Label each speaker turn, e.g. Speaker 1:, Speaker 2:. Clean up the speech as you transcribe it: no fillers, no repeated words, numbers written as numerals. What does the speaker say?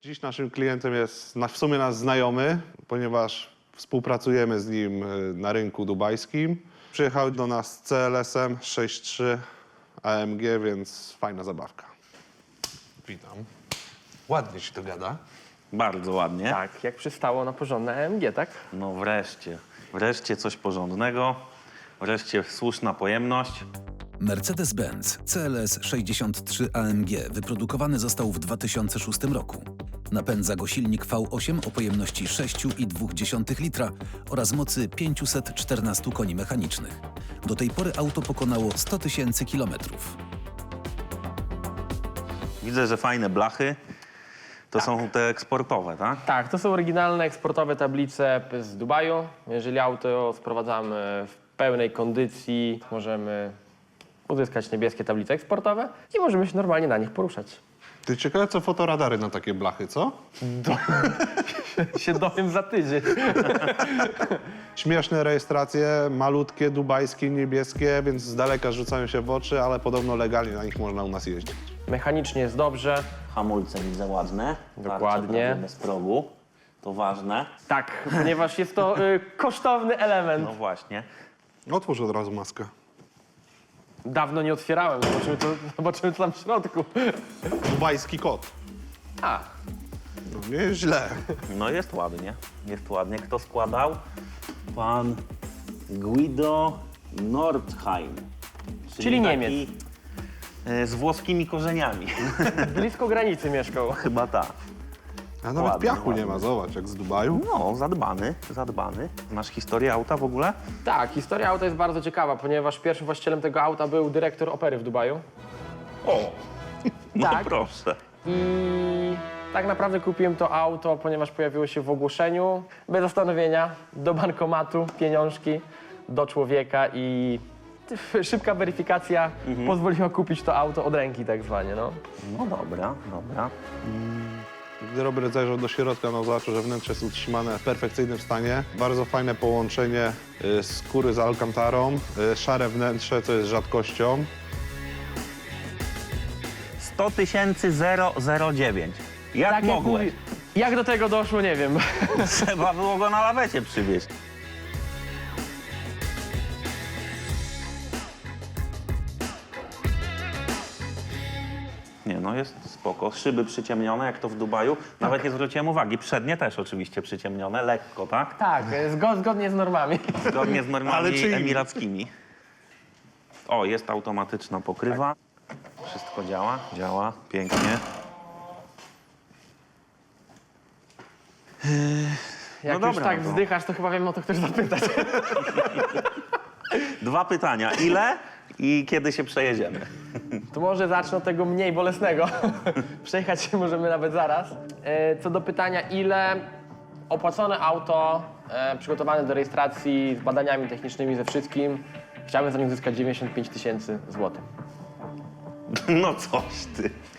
Speaker 1: Dziś naszym klientem jest w sumie nasz znajomy, ponieważ współpracujemy z nim na rynku dubajskim. Przyjechał do nas z CLS-em 6.3 AMG, więc fajna zabawka. Witam. Ładnie się to gada.
Speaker 2: Bardzo ładnie.
Speaker 3: Tak, jak przystało na porządne AMG, tak?
Speaker 2: No wreszcie. Wreszcie coś porządnego. Wreszcie słuszna pojemność.
Speaker 4: Mercedes-Benz CLS 63 AMG wyprodukowany został w 2006 roku. Napędza go silnik V8 o pojemności 6,2 litra oraz mocy 514 koni mechanicznych. Do tej pory auto pokonało 100 000 kilometrów.
Speaker 2: Widzę, że fajne blachy. To są te eksportowe, tak?
Speaker 3: Tak, to są oryginalne eksportowe tablice z Dubaju. Jeżeli auto sprowadzamy w pełnej kondycji, możemy uzyskać niebieskie tablice eksportowe i możemy się normalnie na nich poruszać.
Speaker 1: Ty ciekawe, co fotoradary na takie blachy, co?
Speaker 3: Się dowiem za tydzień.
Speaker 1: Śmieszne rejestracje, malutkie, dubajskie, niebieskie, więc z daleka rzucają się w oczy, ale podobno legalnie na nich można u nas jeździć.
Speaker 3: Mechanicznie jest dobrze.
Speaker 2: Hamulce widzę ładne.
Speaker 3: Dokładnie.
Speaker 2: Tarcze bez progu. To ważne.
Speaker 3: Tak, ponieważ jest to kosztowny element.
Speaker 2: No właśnie.
Speaker 1: Otwórz od razu maskę.
Speaker 3: Dawno nie otwierałem, zobaczymy co tam w środku.
Speaker 1: Dubajski kot.
Speaker 3: A,
Speaker 1: No nieźle.
Speaker 2: No jest ładnie. Jest ładnie. Kto składał? Pan Guido Nordheim.
Speaker 3: Czyli
Speaker 2: taki,
Speaker 3: Niemiec.
Speaker 2: Z włoskimi korzeniami.
Speaker 3: blisko granicy mieszkał.
Speaker 2: Chyba tak.
Speaker 1: A nawet
Speaker 2: Ładnie,
Speaker 1: piachu nie
Speaker 2: ładnie.
Speaker 1: ma, zobacz, jak z Dubaju.
Speaker 2: No, zadbany, zadbany. Masz historię auta w ogóle?
Speaker 3: Tak, historia auta jest bardzo ciekawa, ponieważ pierwszym właścicielem tego auta był dyrektor opery w Dubaju.
Speaker 2: O! No
Speaker 3: Tak.
Speaker 2: proszę.
Speaker 3: I tak naprawdę kupiłem to auto, ponieważ pojawiło się w ogłoszeniu, bez zastanowienia, do bankomatu, pieniążki, do człowieka i szybka weryfikacja pozwoliła kupić to auto od ręki tak zwanie, no.
Speaker 2: No dobra, dobra.
Speaker 1: Gdy Robert zajrzał do środka, no zobaczył, że wnętrze jest utrzymane w perfekcyjnym stanie. Bardzo fajne połączenie skóry z alkantarą, szare wnętrze, co jest rzadkością.
Speaker 2: 100 009. Jak
Speaker 3: Tak
Speaker 2: mogłeś?
Speaker 3: mówi- Jak do tego doszło, nie wiem.
Speaker 2: Trzeba było go na lawecie przywieźć. Nie, no jest spoko. Szyby przyciemnione, jak to w Dubaju. Nawet nie zwróciłem uwagi. Przednie też oczywiście przyciemnione, lekko, tak?
Speaker 3: Tak, zgodnie z normami.
Speaker 2: Zgodnie z
Speaker 1: Ale
Speaker 2: normami
Speaker 1: czyimi?
Speaker 2: emirackimi. O, jest automatyczna pokrywa. Wszystko działa, działa, pięknie.
Speaker 3: Jak
Speaker 2: No
Speaker 3: już
Speaker 2: dobra,
Speaker 3: tak
Speaker 2: no to-
Speaker 3: wzdychasz, to chyba wiem, o to chcesz zapytać.
Speaker 2: 2 pytania. Ile i kiedy się przejedziemy?
Speaker 3: To może zacznę od tego mniej bolesnego. Przejechać się możemy nawet zaraz. Co do pytania, ile opłacone auto, przygotowane do rejestracji z badaniami technicznymi, ze wszystkim, chciałbym za nie uzyskać 95 000 złotych.
Speaker 2: No coś ty.